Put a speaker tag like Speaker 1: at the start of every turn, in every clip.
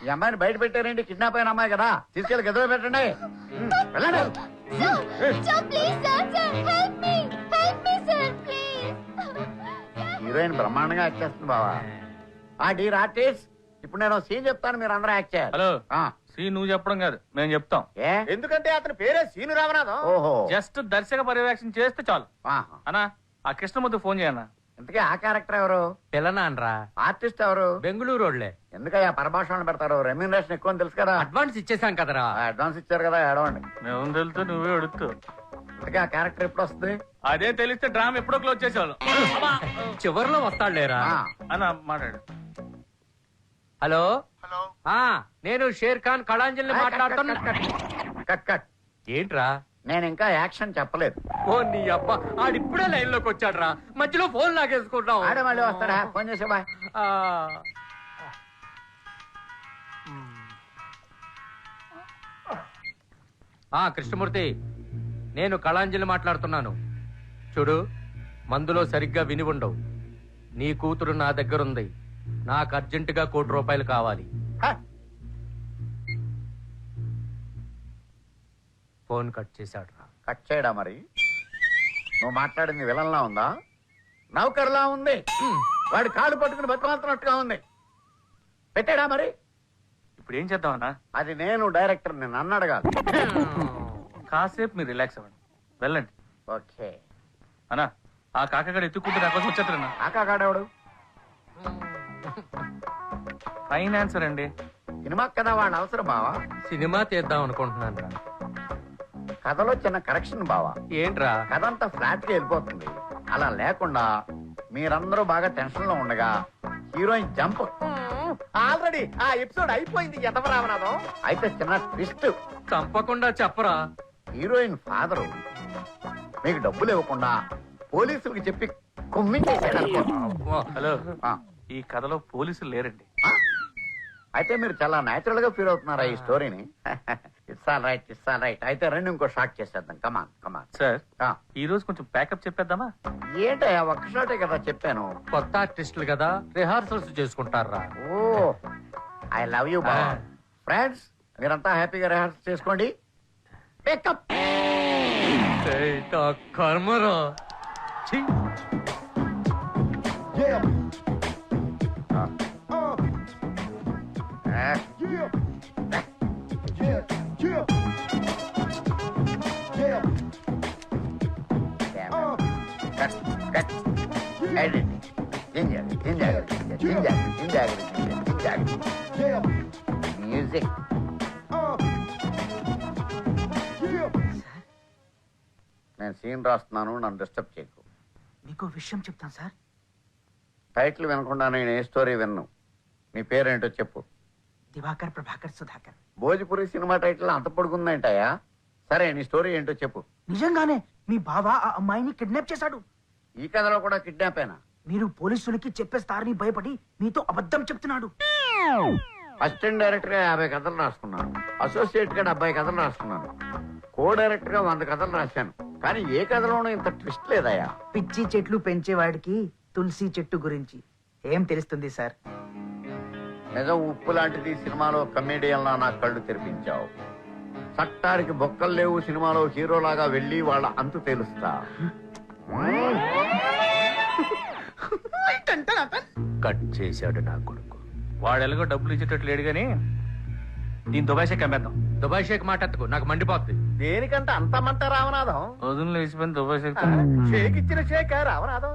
Speaker 1: ఈ అమ్మాయిని బయట పెట్టారండి, కిడ్నాప్ అయిన అమ్మాయి కదా, తీసుకెళ్లి గదిలో పెట్టండి. వెళ్ళండి. హీరోయిన్ బ్రహ్మాండంగా యాక్ట్ చేస్తుంది బావా. డీర్ ఆర్టిస్ట్, ఇప్పుడు నేను సీన్ చెప్తాను, మీరు అందరూ యాక్ట్ చేయాలి.
Speaker 2: హలో, సీన్ నువ్వు చెప్పడం కాదు, మేము చెప్తాం.
Speaker 1: ఎందుకంటే అతని పేరే సీను రామనాథం. ఓహో,
Speaker 2: జస్ట్ దర్శక పర్యవేక్షణ చేస్తే చాలు. అన్నా, ఆ కృష్ణమూర్తి ఫోన్ చేయన్నా.
Speaker 1: ఇంతకీ ఆ క్యారెక్టర్ ఎవరు?
Speaker 3: పిల్లనాన్రా.
Speaker 1: ఆర్టిస్ట్ ఎవరు?
Speaker 3: బెంగళూరు రోడ్లే.
Speaker 1: ఎందుకయ్యా పరభాషణ పెడతారు? రెమ్యూనరేషన్ ఎక్కువ తెలుసు కదా.
Speaker 3: అడ్వాన్స్ ఇచ్చేసాం కదరా.
Speaker 1: అడ్వాన్స్ ఇచ్చారు కదా, ఏడవండి.
Speaker 2: మేము తెలుస్తూ నువ్వే అడుగుతూ.
Speaker 1: ఇంతకీ ఆ క్యారెక్టర్ ఎప్పుడు వస్తుంది?
Speaker 2: అదే తెలిస్తే డ్రామా ఎప్పుడో క్లోజ్ చేసేవాళ్ళు.
Speaker 3: చివరిలో వస్తాడులేరా.
Speaker 2: అన్న మాట్లాడు.
Speaker 3: హలో. నేను షేర్ ఖాన్ కళాంజలిని మాట్లాడుతున్నా.
Speaker 1: Cut cut.
Speaker 3: ఏంట్రా?
Speaker 1: నేను ఇంకా యాక్షన్ చెప్పలేదు.
Speaker 3: ఓ నీ అబ్బా, ఆడిప్పుడే లైన్ లోకి వచ్చాడ్రా, మధ్యలో ఫోన్ లాగేసుకుంటాం.
Speaker 1: ఆడే మళ్ళీ వస్తాడా? ఫోన్ చేసే బాయ్.
Speaker 3: కృష్ణమూర్తి, నేను కళాంజలి మాట్లాడుతున్నాను. చూడు, మందులో సరిగ్గా విని ఉండవు. నీ కూతురు నా దగ్గరుంది. నాకు అర్జెంటుగా ₹1,00,00,000 కావాలి. ఫోన్ కట్ చేశాడు రా.
Speaker 1: కట్ చేయడా? మరి నువ్వు మాట్లాడింది విలన్లా ఉందా, నౌకర్లా ఉంది? వాడి కాళ్ళు పట్టుకుని బతిమాలుతున్నట్టుగా ఉంది. పెట్టాడా? మరి
Speaker 2: ఇప్పుడు ఏం చేద్దామన్నా?
Speaker 1: అది నేను డైరెక్టర్, నేను నన్ను అడగాలి.
Speaker 2: కాసేపు మీరు రిలాక్స్ అవ్వండి, వెళ్ళండి.
Speaker 1: ఓకే
Speaker 2: అన్నా, ఆ కాకగాడు ఎత్తుకుంటే నా కోసం వచ్చేస్తారన్నా.
Speaker 1: కాకాగాడెవడు?
Speaker 2: ఫైనాన్సర్ అండి.
Speaker 1: సినిమా కదా, వాడి అవసరం బావా.
Speaker 3: సినిమా తీద్దాం అనుకుంటున్నాను రా.
Speaker 1: కథలో చిన్న కరెక్షన్ బావా.
Speaker 3: ఏంట్రా?
Speaker 1: కథ అంతా ఫ్లాట్ గా వెళ్ళిపోతుంది. అలా లేకుండా మీరందరూ బాగా టెన్షన్ లో ఉండగా హీరోయిన్ జంప్. ఆల్రెడీ ఆ ఎపిసోడ్ అయిపోయింది. రామనాథం అయితే చిన్న ట్విస్ట్.
Speaker 3: చంపకుండా చెప్పరా.
Speaker 1: హీరోయిన్ ఫాదరు మీకు డబ్బులు ఇవ్వకుండా పోలీసులకు చెప్పి కుమ్మించేసాడు అనుకో.
Speaker 2: హలో, ఈ కథలో పోలీసులు లేరండి.
Speaker 1: అయితే మీరు చాలా నేచురల్ గా ఫీల్ అవుతున్నారా ఈ స్టోరీని? It's all right, it's all right. అయితే రెండు ఇంకో షాట్ చేసేద్దాం. కమాన్ కమాన్.
Speaker 2: సార్, ఈ రోజు కొంచెం ప్యాకప్ చెప్పేద్దామా?
Speaker 1: ఏంటయ్యా, ఒక్క షాటే కదా చెప్పాను.
Speaker 3: కొత్త ఆర్టిస్టులు కదా, రిహార్సల్స్ చేసుకుంటారా.
Speaker 1: ఓ, ఐ లవ్ యూ బాబా. ఫ్రెండ్స్, మీరంతా హ్యాపీగా రిహార్సల్ చేసుకోండి. పికప్.
Speaker 3: కర్మరా.
Speaker 1: మ్యూజిక్. నేను సీన్ రాస్తున్నాను, నన్ను డిస్టర్బ్ చేయకు.
Speaker 4: మీకు విషయం చెప్తాను సార్.
Speaker 1: టైటిల్ వినకుండా నేను ఏ స్టోరీ విన్ను. నీ పేరేంటో చెప్పు.
Speaker 4: దివాకర్ ప్రభాకర్ సుధాకర్.
Speaker 1: భోజ్పురి సినిమా టైటిల్ అంత పొడుగుందంటాయా? సరే, నీ స్టోరీ ఏంటో చెప్పు.
Speaker 4: నిజంగానే మీ బావ ఆ అమ్మాయిని కిడ్నాప్ చేశాడు.
Speaker 1: ఈ కథలో కూడా కిడ్నాప్ అయినా?
Speaker 4: మీరు పోలీసులకి చెప్పేస్తారని భయపడి మీతో అబద్ధం చెప్తున్నాడు.
Speaker 1: అసిస్టెంట్ డైరెక్టర్ గా 50 కథలు రాసుకున్నాను. అసోసియేట్ గా 70 కథలు రాసుకున్నాను. కో డైరెక్టర్ గా 100 కథలు రాశాను. కానీ ఏ కథలోనూ ఇంత ట్విస్ట్ లేదయ్యా.
Speaker 4: పిచ్చి చెట్లు పెంచేవాడికి తులసి చెట్టు గురించి ఏం తెలుస్తుంది సార్?
Speaker 1: నిజం ఉప్పు లాంటిది సినిమాలో కమేడియన్లా నా కళ్ళు తెరిపించావు. చట్టానికి బొక్కలు లేవు సినిమాలో హీరోలాగా వెళ్ళి వాళ్ళ అంతు తెలుస్తా.
Speaker 3: కట్ చేశాడు నా కొడుకు.
Speaker 2: వాడు ఎలాగో డబ్బులు ఇచ్చేటట్టు లేడు గాని దీని దుబాయ్ షేక్ అమ్మేద్దాం.
Speaker 3: దుబాయ్ షేక్ మాటెత్తుకు, నాకు మండిపోతుంది.
Speaker 1: దేనికంటే అంతమంట రామనాథం?
Speaker 2: వదులు లేచిపోయిన దుబాయ్ షేక్.
Speaker 1: షేక్ ఇచ్చిన షేక్ రామనాథం.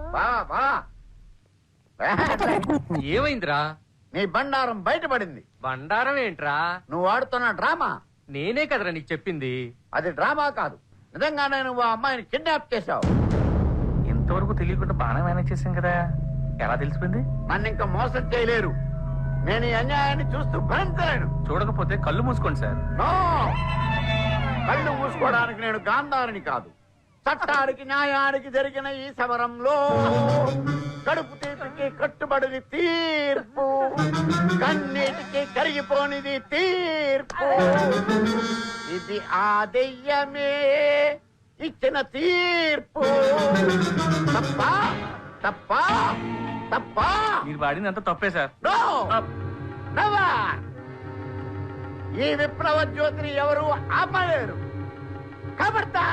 Speaker 3: ఏమైందిరా?
Speaker 1: నీ బండారం బయటపడింది.
Speaker 3: బండారం ఏంట్రా?
Speaker 1: నువ్వు ఆడుతున్న డ్రామా.
Speaker 3: నేనే కదరా నీకు చెప్పింది.
Speaker 1: అది డ్రామా కాదు, నిజంగానే నువ్వు ఆ అమ్మాయిని కిడ్నాప్ చేశావు.
Speaker 2: ఇంతవరకు తెలియకుండా బాగా మేనేజ్ చేశాం కదా, ఎలా తెలిసిపోయింది?
Speaker 1: నన్ను ఇంకా మోసం చేయలేరు. నేను ఈ అన్యాయాన్ని చూస్తూ భరించలేను.
Speaker 2: చూడకపోతే కళ్ళు మూసుకోండి సార్.
Speaker 1: నో, కళ్ళు మూసుకోవడానికి నేను గాంధారిని కాదు. చట్టానికి న్యాయానికి జరిగిన ఈ సమరంలో కడుపు తీపికి కట్టుబడిది తీర్పు, కన్నీటికి కరిగిపోనిది తీర్పు. ఇది ఆ దెయ్యమే ఇచ్చిన తీర్పు. తప్పా తప్పా తప్పా?
Speaker 2: మీరు వాడింది అంతా తప్పే సార్.
Speaker 1: No, never. ఈ విప్లవ జ్యోతిని ఎవరు ఆపలేరు. కబర్దా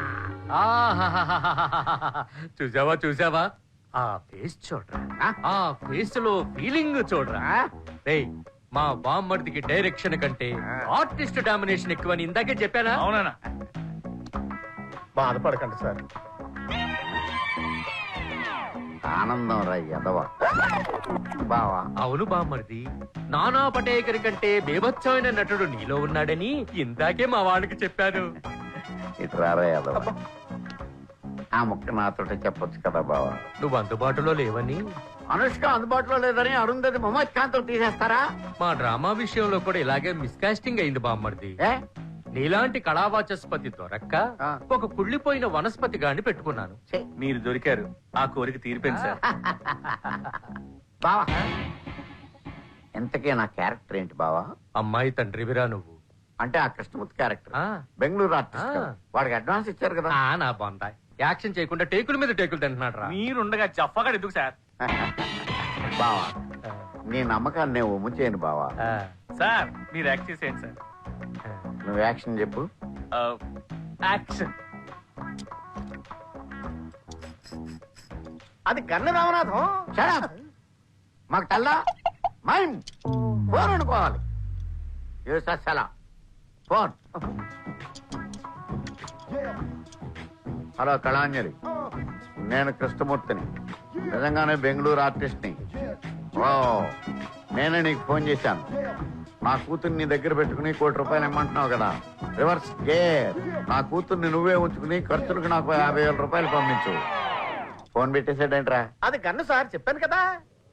Speaker 3: చూసావా చూసావా ఆ ఫేస్ చూడరా, ఆ ఫేస్ లో ఫీలింగ్ చూడరా. రేయ్, మా బామ్మర్దికి డైరెక్షన్ కంటే ఆర్టిస్ట్ డామినేషన్ ఎక్కువని ఇందాకే చెప్పానా?
Speaker 2: అవునా?
Speaker 1: బాధపడకండి సార్. ఆనందం రా ఎదవ బావా.
Speaker 3: అవును బామ్మర్ది, నానా పటేకర్ కంటే బేభత్సమైన నటుడు నీలో ఉన్నాడని ఇందాకే మా వాడికి చెప్పాను.
Speaker 1: ఇటు రారా ఎదవ. ఆ ముక్క నాతోటే చెప్పొచ్చు కదా బావా.
Speaker 3: నువ్వు అందుబాటులో లేవని.
Speaker 1: అనుష్క అందుబాటులో లేదని అరుంధతి మొహమ్మద్ ఖాన్ తో తీసేస్తారా?
Speaker 3: మా డ్రామా విషయంలో కూడా ఇలాగే మిస్కాస్టింగ్ అయింది బామ్మర్ది.
Speaker 1: ఏ
Speaker 3: నీలాంటి కళావాచస్పతి దొరక్క
Speaker 1: ఆ.
Speaker 3: ఒక కుళ్ళిపోయిన వనస్పతి గాని పెట్టుకున్నాను.
Speaker 1: ఛే,
Speaker 2: మీరు దొరికారు, ఆ కోరిక తీరిపోయింది సార్.
Speaker 1: బావా ఇంతకీ నా క్యారెక్టర్ ఏంటి బావా?
Speaker 3: అమ్మాయి తండ్రివిరా నువ్వు.
Speaker 1: అంటే ఆ కృష్ణమూర్తి క్యారెక్టర్,
Speaker 3: ఆ.
Speaker 1: బెంగళూరు ఆర్టిస్ట్.
Speaker 3: ఆ.
Speaker 1: వాడికి అడ్వాన్స్ ఇచ్చారు కదా.
Speaker 3: ఆ, నా బాందాయ్ యాక్షన్ చేయకుండా టేకుల మీద టేకులు తింటున్నాడు రా.
Speaker 2: మీరుండగా జఫ్ఫగా ఎందుకు సార్?
Speaker 1: బావా నీ నమ్మకాన్ని నేను ఒమ్ము చేయను బావా.
Speaker 2: సార్ మీరు యాక్ట్ చేసేయండి సార్.
Speaker 1: నువ్వు యాక్షన్ చెప్పు.
Speaker 2: యాక్షన్.
Speaker 1: అది గన్ను రామనాథం. Shut up. మాకు తెల్లా మైండ్ ఫోన్ అనుకోవాలి. ఫోన్. హలో కళాంజలి, నేను కృష్ణమూర్తిని, నిజంగానే బెంగళూరు ఆర్టిస్ట్ని. ఓ నేనే నీకు ఫోన్ చేశాను. నా కూతుర్ని నీ దగ్గర పెట్టుకుని ₹1,00,00,000 ఇమ్మంటున్నావు కదా. Reverse gear. నా కూతుర్ని నువ్వే ఉంచుకుని ఖర్చులకు నాకు ₹50,000 పంపించు. ఫోన్ పెట్టేసాడేంట్రా?
Speaker 5: అది గన్ను సార్, చెప్పాను కదా.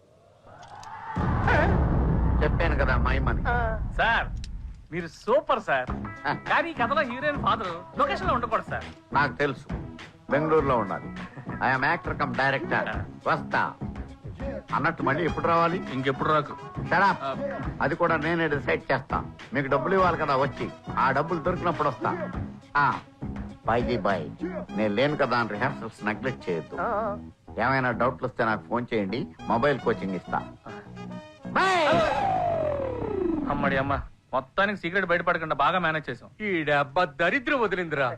Speaker 1: చెప్పాను కదా మైమని.
Speaker 2: సార్ మీరు సూపర్ సార్. కానీ ఈ కథలో హీరోయిన్ ఫాదర్ లొకేషన్ లో ఉండకూడదు సార్.
Speaker 1: నాకు తెలుసు, బెంగళూరులో ఉండాలి. I'm actor cum director. వస్తా అన్నట్టు మళ్ళీ ఎప్పుడు రావాలి?
Speaker 2: ఇంకెప్పుడు రాకు.
Speaker 1: Shut up. అది కూడా నేనే డిసైడ్ చేస్తా. మీకు డబ్బులు ఇవ్వాలి కదా, వచ్చి ఆ డబ్బులు దొరికినప్పుడు వస్తా. బాయ్ నేను లేను కదా అని రిహార్సల్స్ నెగ్లెక్ట్ చేయొద్దు. ఏమైనా డౌట్లు వస్తే నాకు ఫోన్ చేయండి, మొబైల్ కోచింగ్ ఇస్తా.
Speaker 2: అమ్మడి అమ్మ, మొత్తానికి సీక్రెట్ బయటపడకుండా బాగా మేనేజ్ చేసాం.
Speaker 3: ఈ డబ్బా దరిద్రం వదిలిందిరా.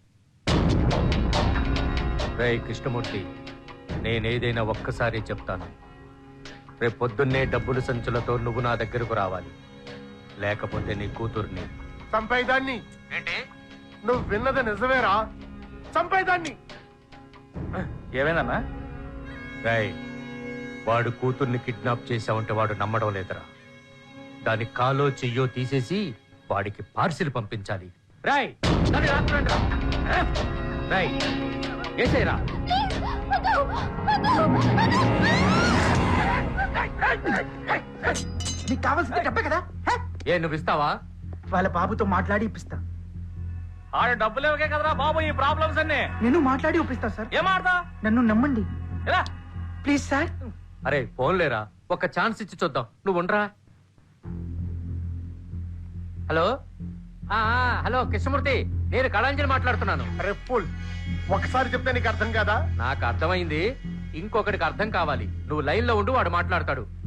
Speaker 3: రేయ్ కృష్ణమూర్తి, నేనేదైనా ఒక్కసారి చెప్తాను. రేపు పొద్దున్నే డబ్బులు సంచులతో నువ్వు నా దగ్గరకు రావాలి, లేకపోతే నీ కూతుర్ని
Speaker 5: చంపేదాన్ని.
Speaker 3: ఏంటి
Speaker 5: నువ్వు విన్నది నిజమేరా? చంపేదాన్ని.
Speaker 2: ఏమైందన్నా?
Speaker 3: రాయ్, వాడు కూతుర్ని కిడ్నాప్ చేశావంటే వాడు నమ్మడం లేదురా. దాని కాలో చెయ్యో తీసేసి వాడికి పార్సిల్ పంపించాలి. రాయ్ దాన్ని రాత్రండి రా. రాయ్ ఏసేరా.
Speaker 4: నీకు కావాల్సింది డబ్బే కదా. హే?
Speaker 3: ఏ నువ్వు ఇస్తావా?
Speaker 4: వాళ్ళ బాబుతో మాట్లాడి ఇప్పిస్తా.
Speaker 2: ఆడ డబ్బులు ఇవ్వకే కదరా బాబు ఈ ప్రాబ్లమ్స్ అన్ని.
Speaker 4: నేను మాట్లాడి ఒప్పిస్తా సార్.
Speaker 2: ఏం ఆడతా?
Speaker 4: నన్ను నమ్మండి
Speaker 2: ఎలా?
Speaker 4: Please sir.
Speaker 3: అరే ఫోన్ లేరా, ఒక ఛాన్స్ ఇచ్చి చూద్దాం. నువ్వు ఉండరా. హలో హలో కృష్ణమూర్తి, నేను కళాంజలి మాట్లాడుతున్నాను.
Speaker 5: రెప్పుల్ ఒకసారి చెప్తే నీకు అర్థం కాదా?
Speaker 3: నాకు అర్థమైంది, ఇంకొకటికి అర్థం కావాలి. నువ్వు లైన్ లో ఉండు, వాడు మాట్లాడతాడు.